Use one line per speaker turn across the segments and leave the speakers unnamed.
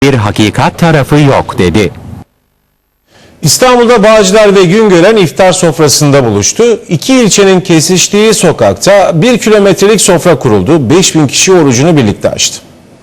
bir hakikat tarafı yok dedi.
İstanbul'da Bağcılar ve Güngören iftar sofrasında buluştu. İki ilçenin kesiştiği sokakta 1 kilometrelik sofra kuruldu. 5000 kişi orucunu birlikte açtı.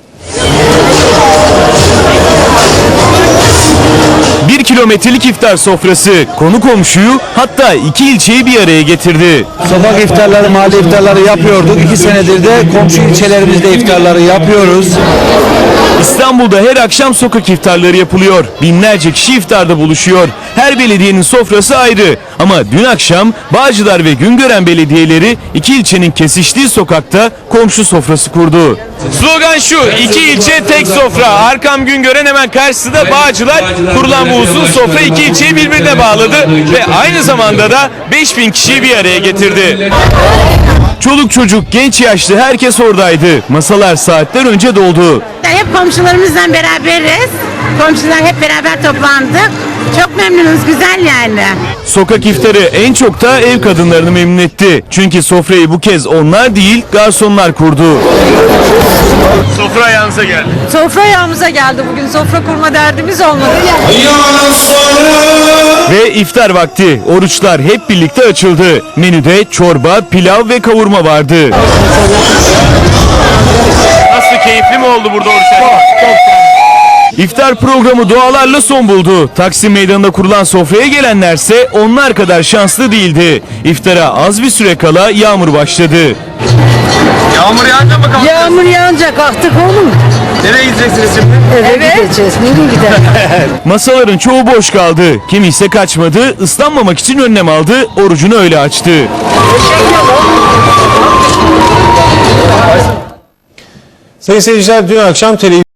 Bir kilometrelik iftar sofrası konu komşuyu, hatta iki ilçeyi bir araya getirdi.
Sokak iftarları, mahalle iftarları yapıyorduk. 2 senedir de komşu ilçelerimizde iftarları yapıyoruz.
İstanbul'da her akşam sokak iftarları yapılıyor. Binlerce kişi iftarda buluşuyor. Her belediyenin sofrası ayrı. Ama dün akşam Bağcılar ve Güngören belediyeleri iki ilçenin kesiştiği sokakta komşu sofrası kurdu. Slogan şu: iki ilçe tek sofra. Arkam Güngören, hemen karşısında Bağcılar. Kurulan bu uzun sofra iki ilçeyi birbirine bağladı ve aynı zamanda da 5000 kişiyi bir araya getirdi. Çoluk çocuk, genç yaşlı herkes oradaydı. Masalar saatler önce doldu.
Hep komşularımızla beraberiz. Komşular hep beraber toplandık. Çok memnunuz, güzel yani.
Sokak iftarı en çok da ev kadınlarını memnun etti. Çünkü sofrayı bu kez onlar değil, garsonlar kurdu. Sofra ayağınıza geldi.
Sofra ayağımıza geldi bugün. Sofra kurma derdimiz olmadı.
Ve iftar vakti. Oruçlar hep birlikte açıldı. Menüde çorba, pilav ve kavurma vardı. Nasıl, keyifli mi oldu burada oruç açmak? İftar programı dualarla son buldu. Taksim Meydanı'nda kurulan sofraya gelenlerse onlar kadar şanslı değildi. İftara az bir süre kala yağmur başladı.
Yağmur yağınca mı kalktınız?
Yağmur yağınca kalktık oğlum.
Nereye gideceksiniz şimdi?
Eve gideceğiz. Nereye gidelim?
Masaların çoğu boş kaldı. Kimi ise kaçmadı, ıslanmamak için önlem aldı, orucunu öyle açtı.
Sayın seyirciler, dün akşam televizyon